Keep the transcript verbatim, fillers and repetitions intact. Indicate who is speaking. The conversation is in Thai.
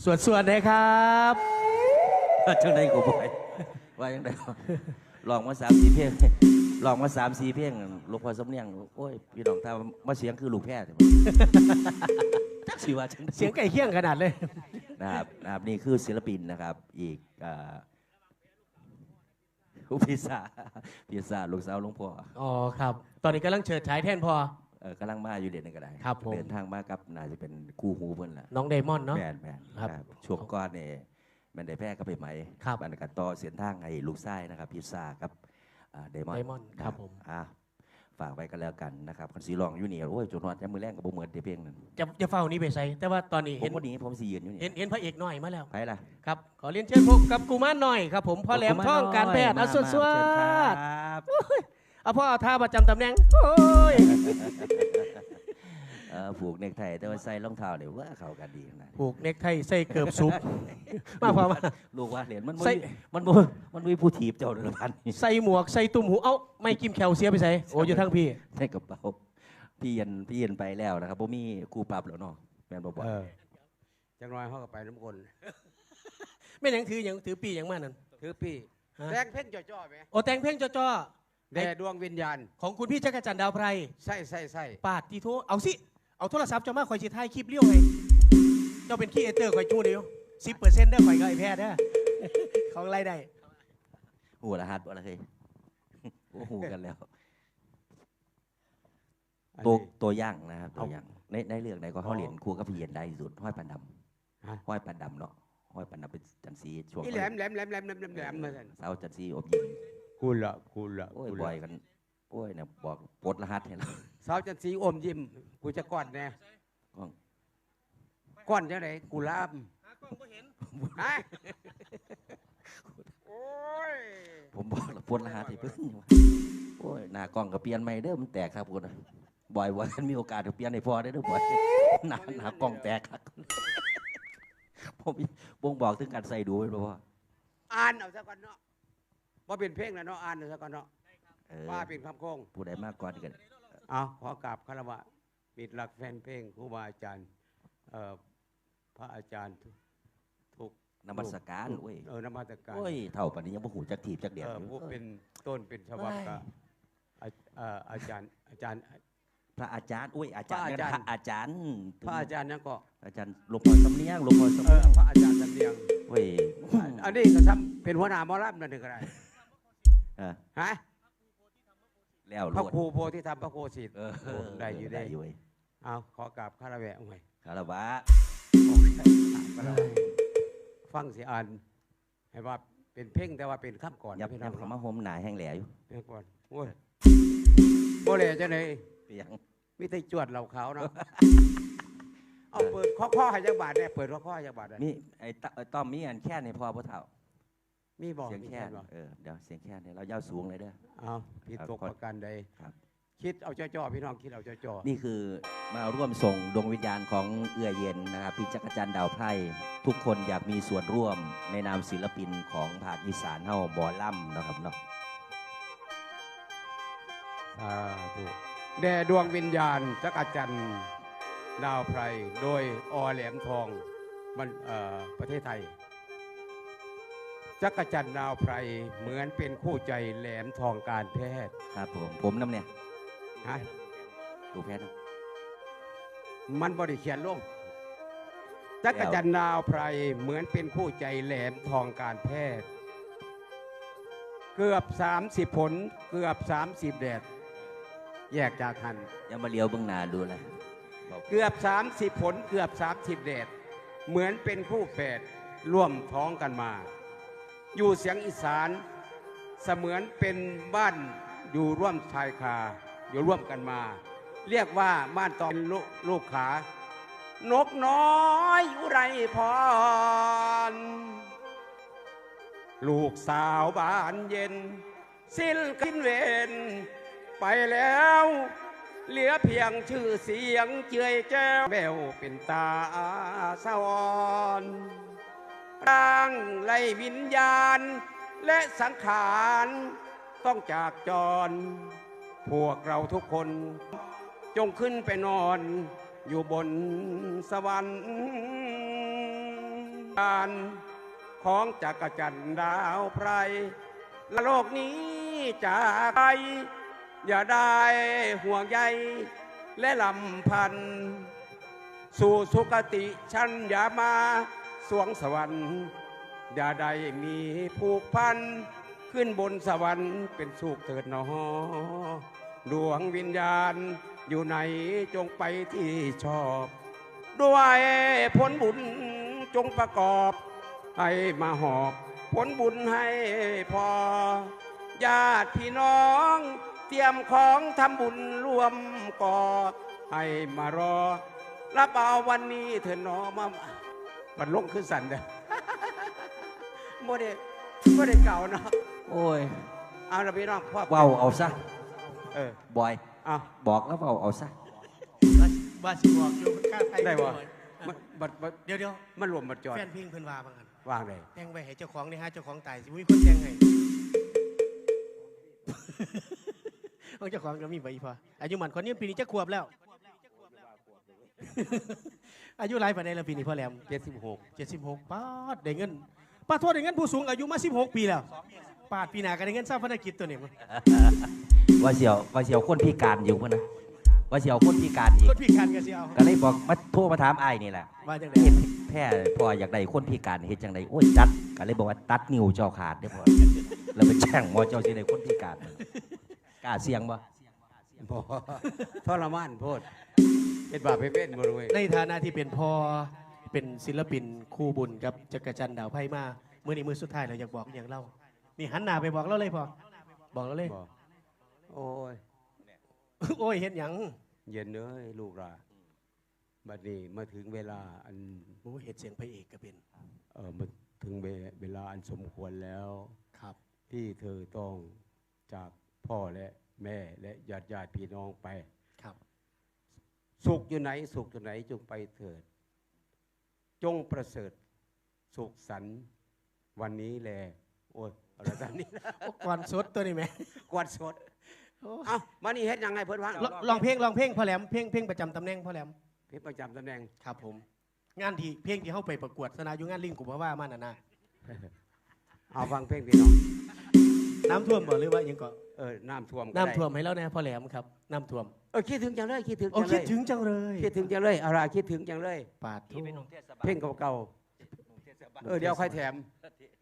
Speaker 1: ส่วนส่วนนะครับ
Speaker 2: จังไดกูบ่อยว่าจังไดลองมาสามสี่เพลงลองมาสามสี่เพลงลูกพ่อสำเนียงโอ้ยพี่น้องถ้ามาเสียงคือลูกแพทย์จักสิว่าจัง
Speaker 1: เสียงไก่เคี่ยงขนาดเลย
Speaker 2: นะครับนะครับนี่คือศิลปินนะครับอีกพิซซ่าพิซซ่าลูกสาวหลวงพ่อ
Speaker 1: อ๋อครับตอนนี้กำลังเฉิดฉายแท่นพอ
Speaker 2: เออกำลังมาอยู่เด่นในกระได
Speaker 1: ครับผม
Speaker 2: เดินทางมากับน่าจะเป็นคู่หูเพื่อนแหละ
Speaker 1: น้องเดมอนเนาะ
Speaker 2: แมนแมนครับช่วงก้อนเนี่ยมันได้แพร่ก็ไปไหม
Speaker 1: ครับ
Speaker 2: มันกัดต่อเสียนทางให้ลูกไส้นะครับพิซซ่าครับเดมอน
Speaker 1: เดมอนครับผม
Speaker 2: อ่าฝากไว้กันแล้วกันนะครับคนสีรองอยู่นี่โอ้ยจุดนอนจะมือแรงกับโบเหมือนเดเพียงนึง
Speaker 1: จะจะเฝ้านี้ไปใส่แต่ว่าตอนนี้
Speaker 2: เห็นวันนี้ผมสียืนอยู่นี่
Speaker 1: เห็นเห็นพระเอกหน่อยมาแล้ว
Speaker 2: ไปละ
Speaker 1: ครับขอเรียนเชิญพบกับกูมารหน่อยครับผมพ่อแหลมท่องการแพทย์อาสุดสวัสดิ์เอาพ่อเอาท่าประจำตำแหน่งโอ้ย
Speaker 2: ผูกเนคไทแต่ว่าใส่รองเท้าเดี๋ยวว่าเข้ากันดีนะ
Speaker 1: ผูกเนคไทใส่เกือบซุปมาพอมา
Speaker 2: ลูกว่าเหรียญมันใส่มันมันมันมีผู้ถีบเจ้าเดือพัน
Speaker 1: ใส่หมวกใส่ตุ่มหูเอ้าไม่กิมแคลเซียไปใส่โอ้อยู่ทั้งพี่
Speaker 2: ใส่กระเป๋าพี่เย็นพี่เย็นไปแล้วนะครับผมมีกูปรับแล้วเนาะแมนบอกว่า
Speaker 3: จังน้อยเขาก็ไปน้ำกล
Speaker 1: ไม่ยังถือยังถือปียังมานั่น
Speaker 3: ถือปีแดงเพ่งจ่อๆไหม
Speaker 1: โอ้แดงเพ่งจ่อ
Speaker 3: ๆแด่ดวงวิญญาณ
Speaker 1: ของคุณพี่จักรจันทร์ดาวไพร
Speaker 3: ใช่ใช่ใช่
Speaker 1: ปาดทีโทเอาสิเอาโทรศัพท์เจ้ามาคอยชิท้ายคลิปเลี้ยวไงเจ้าเป็นขี้เอเตอร์คอยจู้เดียวสิบเปอร์เซ็นต์ได้คอยก็ไอแพทย์ได้ของไรได้
Speaker 2: หูละฮัดอะไรเคยหูกันแล้วตัวตัวย่างนะครับตัวย่างในในเรื่องไหนก็เขาเรียนครูกับพี่เย็นได้สุดห้อยปันดำห้อยปันดำเนาะห้อยปันดำเป็นจันทร์สีช่วง
Speaker 3: แหลมแหลมแหลมแหลมแหลมแหลมมา
Speaker 2: สาวจันทร์สีอบยิ้ม
Speaker 3: กูละกูละ
Speaker 2: โอ้ยบ่อยกันโอ้ยเนี่ยบอกปลดรหัสเห็นแล้ว
Speaker 3: สาวจันทร์สีอมยิ้มกูจะก้อนแน่ก้อนยังไงกูลามฮะโอ้ย
Speaker 2: ผมบอกแล้วปลดรหัสที่เพิ่งโอ้ยหน้ากล้องก็เปลี่ยนใหม่เด้อมันแตกครับคุณบ่อยวันมีโอกาสจะเปลี่ยนในพอได้ด้วยบ่อยหน้าหน้ากล้องแตกครับผมบ่งบอกถึงการใส่ดูไว้เพราะว่า
Speaker 3: อ่านเอาซะก่อนเนาะว่าเป็นเพลงแล้วเนาะอ่านเอาซะก่อนเนาะว่าเป็นคำโค้ง
Speaker 2: ผู้ใดมากก่อนกัน
Speaker 3: เอาขอกราบคารวะมิตรรักแฟนเพลงครูบาอาจารย์พระอาจารย์ทุก
Speaker 2: นมัสการโอ้ย
Speaker 3: เออนมัสการ
Speaker 2: โอ้ยเท่าปานนี้ยังบ่หูจักถีบจักเดียด
Speaker 3: ผู้เป็นต้นเป็นฉบับกับอาจารย์อาจารย์
Speaker 2: พระอาจารย์อุ้ยอาจารย์พระอาจารย์
Speaker 3: พระอาจารย์นั่นก็
Speaker 2: อาจารย์หลวงพ่อสำเนียงหลวงพ่อสำเนียง
Speaker 3: พระอาจารย์สำเนียง
Speaker 2: เว้ย
Speaker 3: อันนี้ก็ทำเป็นหัวหน้าหมอลำนั่นเองก็ได้ฮะ
Speaker 2: แล้ว
Speaker 3: พระครูโพธิธรรมพระโคสิทธิ์ได้อยู่ได้อยู่เอาขอกราบคารวะหน่อย
Speaker 2: คารวะ
Speaker 3: ฟังเสียอ่านให้ว่าเป็นเพ่งแต่ว่าเป็นข้ามก่อน
Speaker 2: ยับยับเขามาห่มหนาแห้งแหล่อยู่
Speaker 3: เพ่งก่อนโอ้ยโบเล่จะไหน
Speaker 2: เปียง
Speaker 3: มิได้จวดเหล่าเขาเนาะเอาเปิดข้อข้อให้ยักบาทเนี่ยเปิดข้อข้อให้ยักบาท
Speaker 2: นี่ไอ้ต้อมมีอันแค่ในพอพระเถ่า
Speaker 3: มีบอก
Speaker 2: เสียงแค่เออเดี๋ยวเสียงแค่เนี่ยเราเย้าสูงเลยเด้อ
Speaker 3: เอาผิดตกประการใดคิดเอาจ่อๆพี่น้องคิดเอาจ่อ
Speaker 2: ๆนี่คือมาร่วมส่งดวงวิญญาณของเอื้อเย็นนะครับพี่จักรจันทร์ดาวไพร่ทุกคนอยากมีส่วนร่วมในนามศิลปินของภาคอีสานเฮาบอล่ำนะครับเนาะ
Speaker 3: อ่าถูกแด่ดวงวิญญาณจักรจันทร์ดาวไพรโดยอแหลมทองมันประเทศไทยจักรจันทร์ดาวไพรเหมือนเป็นคู่ใจแหลมทองการแพทย์
Speaker 2: ครับผมผมน้ำเนี่ย
Speaker 3: ฮะ
Speaker 2: ดูแพทย์
Speaker 3: มันบริเขียนลงจักรจันทร์ดาวไพรเหมือนเป็นคู่ใจแหลมทองการแพทย์เกือบสามสิบผลเกือบสามสิบแดดแยกจากหัน
Speaker 2: ยังมาเลี้ยวเบื้องหน้าดูเลย
Speaker 3: เกือบสามสิบผลเกือบสามสิบแดดเหมือนเป็นคู่แฝดร่วมท้องกันมาอยู่เสียงอีสานเสมือนเป็นบ้านอยู่ร่วมชายคาอยู่ร่วมกันมาเรียกว่าบ้านตอนลูกขานกน้อยอุไรพรลูกสาวบ้านเย็นสิ้นกินเวนไปแล้วเหลือเพียงชื่อเสียงเจือยแจ้วแววเป็นตาสวรรค์ร่างไล่วิญญาณและสังขารต้องจากจรพวกเราทุกคนจงขึ้นไปนอนอยู่บนสวรรค์การของจักรจันทร์ดาวไพรและโลกนี้จากไปอย่าได้ห่วงใยและลำพันธ์สู่สุคติชั้นอย่ามาสวงสวรรค์อย่าได้มีผูกพันขึ้นบนสวรรค์เป็นสุขเถิดหนอดวงวิญญาณอยู่ไหนจงไปที่ชอบด้วยผลบุญจงประกอบให้มาหอบผลบุญให้พอญาติพี่น้องเตรียมของทำบุญรวมก่อให้มารอรับเอาวันนี้เถิดหนอมาบัดลงขึ้นสันเด้อ โมเดลโมเดลเก่าเนาะ
Speaker 2: โอ้ย
Speaker 3: เอาละพี่น้องพ่อ
Speaker 2: เว้าเอาซะ
Speaker 3: เออบ
Speaker 2: อย
Speaker 3: เอา
Speaker 2: บอกแล้วเว้าเอาซะ
Speaker 1: ว่าสิบอกอยู่กล้าไทย
Speaker 3: ได้วะ
Speaker 1: บ่อย
Speaker 3: มันบัดบัด
Speaker 1: เดี๋ยวเดี๋ยว
Speaker 3: มันรวมบัดจอด
Speaker 1: แฟนเพลงเพิ่นว่าบางอัน
Speaker 3: วางเลย
Speaker 1: แต่งไว้ให้เจ้าของนี่ฮะเจ้าของตายสิมีคนแต่งให้ ของเจ้าของก็มีใบพออายุหมันคนนี้ปีนี้จะขวบแล้ว อายุหลายปานใดแล้วปีนี้พ่อแหลม
Speaker 3: เจ็ดสิบหก
Speaker 1: เจ็ดสิบหกป้าดได้เงินป้าโทษได้เงินผู้สูงอายุมาสิบหกปีแล้วปาดปีหน้าก็ได้เงินสร้างภารกิจตัวนี้มั้ง
Speaker 2: ว่าเสียวว่าเสียวคนพิการอยู่พุ่นนะว่าเสียวคนพิการอีก
Speaker 1: คนพิการก็สิเอา
Speaker 2: ก็เลยบอกมาโทรมาถามไอ้ายนี่แหละ
Speaker 1: ว่าจังได
Speaker 2: เฮ็ดแพ้พออยากได้คนพิการเฮ็ดจังไดโอ้ยตัดก็เลยบอกว่าตัดนิ้วเจ้าขาดเด้อพ่อแล้วไปแช่งหมอเจ้าสิได้คนพิการกล้าเสี่ยงบ่
Speaker 3: พอทรมานโพดเป็นบาปเป็นบ่รู้เว้ย
Speaker 1: ในฐานะที่เป็นพ่อเป็นศิลปินคู่บุญกับจักรจันทร์ดาวไพ่มามื้อนี้มื้อสุดท้ายเราอยากบอกอย่างเล่านี่หันหน้าไปบอกเราเลยพอบอกเราเลย
Speaker 3: บอกโอ้ย
Speaker 1: โอ้ยเห็นหยัง
Speaker 3: เย็นเอ้ยลูกหลานบัดนี้มาถึงเวลาอัน
Speaker 1: โอ้ยเห็นเสียงพระเอกก็เป็น
Speaker 3: เออมาถึงเวเวลาอันสมควรแล้ว
Speaker 1: ครับ
Speaker 3: ที่เธอต้องจากพ่อและแม่และญาติญาติพี่น้องไป
Speaker 1: ครับ
Speaker 3: สุขอยู่ไหนสุขอยู่ไหนจงไปเถิด จงประเสริฐสุขสันต์วันนี้แลโอ้ยอะไรแบบนี้นะ
Speaker 1: โอ้ก่อนสดตัวนี้ไหม
Speaker 3: กวาดสด
Speaker 1: โอ้
Speaker 3: เอ้ามานี่เฮ็ดยังไงเพิ่นว่า
Speaker 1: ลลองเพลงลองเพลงพ่อแหลมเพลงเพลงประจำตำแหน่งพ่อแหลม
Speaker 3: เพชรประจำตำแหน่ง
Speaker 1: ครับผม งานที่เพลงที่เข้าไปประกวดสนาอยู่งานลิงกุมภาวะมาน่ะนะ
Speaker 3: เอาฟังเพลงพี่น้อง
Speaker 1: น้ำท่วมบ่หรือว่าหยังก็
Speaker 3: เออน้ำท่วมก็ได้
Speaker 1: น้ำท่วมให้แล้วนะพ่อแหลมครับน้ำท่วม
Speaker 3: เออคิดถึงจังเลยคิดถึง
Speaker 1: โอ้
Speaker 3: จังเล
Speaker 1: คิด
Speaker 3: ย
Speaker 1: ถึงจังเลย
Speaker 3: คิดถึงจังเลยเอาล่ะคิดถึงจังเลย
Speaker 1: ปาดทุ
Speaker 3: เพลงเก่าๆเออเดี๋ยวค่อยแถม